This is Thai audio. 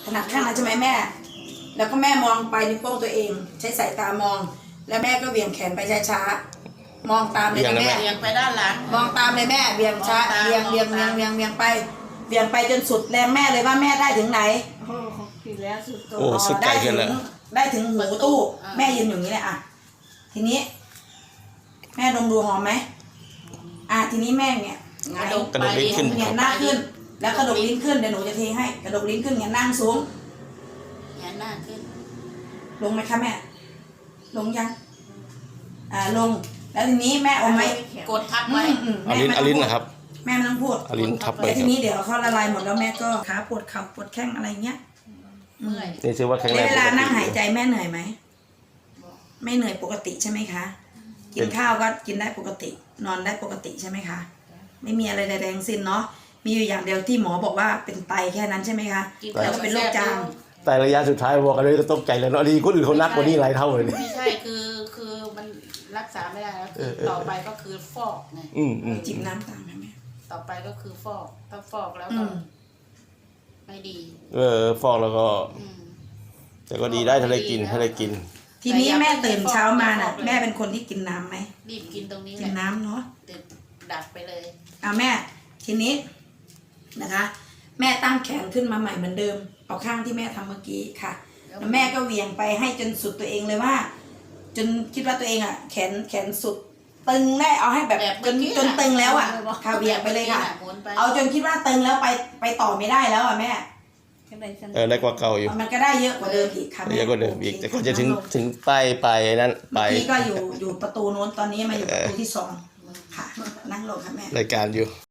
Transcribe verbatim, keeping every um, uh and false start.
ถนัดข้างนั้นใช่ไหมแม่ แล้วก็แม่มองไปนิ้วโป้งตัวเอง ใช้สายตามอง แล้วแม่ก็เบี่ยงแขนไปช้าๆมองตามเลยนะแม่เบี่ยงไปด้านหลังมองตามเลยแม่เบี่ยงช้าเบี่ยงเบี่ยงเบี่ยงเบี่ยงเบี่ยงไปเบี่ยงไปจนสุดแรงแม่เลยว่าแม่ได้ถึงไหนโอ้โหผิดแล้วสุดโต่งโอ้สุดใจได้ขึ้ถึนงแล้วได้ถึงหูตู้แม่ยืนอย่างนี้เลยอ่ะทีนี้ แม่ดมดูหอมไหมอ่ะทีนี้แม่เนี่ยไงกระดกลิ้นขึ้นเงียหน้าขึ้น แล้วกระดกลิ้นขึ้นเดี๋ยวหนูจะเทให้กระดกลิ้นขึ้นเงียนั่งสูงเงียหน้าขึ้นลงไหมคะแม่ลงยังอ่าลงแล้วทีนี้แม่เอาไหมกดทับอืไว้มอืมเอาลิ้นแม่เอาลิ้นไม่ต้งพูดนะครับแม่ไม่ต้องพูดเอาลิ้นทับไปแล้วคทีรับนี้เดี๋ยวเขาละลายหมดแล้วแม่ก็ขาปวดเข่าปวดแข้งอะไรเงี้ยเมื่อยนี่ถือว่าแข็งในแรงเวปลาก นั่งติหายใจแม่เหนื่อยไหมไม่เหนื่อยปกติใช่ไหมคะกินข้าวก็กินได้ปกติ นอนได้ปกติใช่ไหมคะไม่มีอะไรใดๆทั้งสิ้นเนาะมีอยู่อย่างเดียวที่หมอบอกว่าเป็นไตแค่นั้นใช่ไหมคะแล้วก็เป็นโรคจามแต่ระยะสุดท้ายบอกกันเลยก็ตกใจแล้วเนาะดีคนอื่นเขานักกว่านี้หลายเท่าเลยเนี่ยไม่ใช่คือคือมันรักษาไม่ได้แล้วคือต่อไปก็คือฟอกไงอืมอืมจิบน้ำตามไหมแม่ต่อไปก็คือฟอกถ้าฟอกแล้วอืก็มไม่ดีเออฟอกแล้วก็อืมแต่ก็ดีได้ถ้าได้กินถ้าได้กินทีนี้แม่ตื่นเช้ามาน่ะแม่เป็นคนที่กินน้ำไหมรีบกินตรงนี้แหกินละน้ำเนาะติดดัดไปเลยอ่ะแม่ทีนี้นะคะ แม่ตั้งแขนขึ้นมาใหม่เหมือนเดิมเอาข้างที่แม่ทำเมื่อกี้ค่ะแล้วแม่ก็เหวี่ยงไปให้จนสุดตัวเองเลยว่า จนคิดว่าตัวเองอ่ะ แขนแขนสุด ตึงได้เอาให้แบบแบบจนเมื่อกี้จนน่ะตึงแล้วอ่ะค่ะเหวี่ยงไปเลยค่ะหมุนไปเอาจนคิดว่าตึงแล้วไปไปต่อไม่ได้แล้วอ่ะแม่เออได้กว่าเก่าอยู่มันก็ได้เยอะกว่าเดิมอีกค่ะแม่เยอะกว่าเดิมอีกโคแต่ก็จะถึงนั่ลถึงปลายปลายนั้นปเมื่ลาอย กี้ก็อยู่อยู่ประตูโน้นตอนนี้มาอยู่ประตูที่สองค่ะนั่งลงค่ะแม่รายการอยู่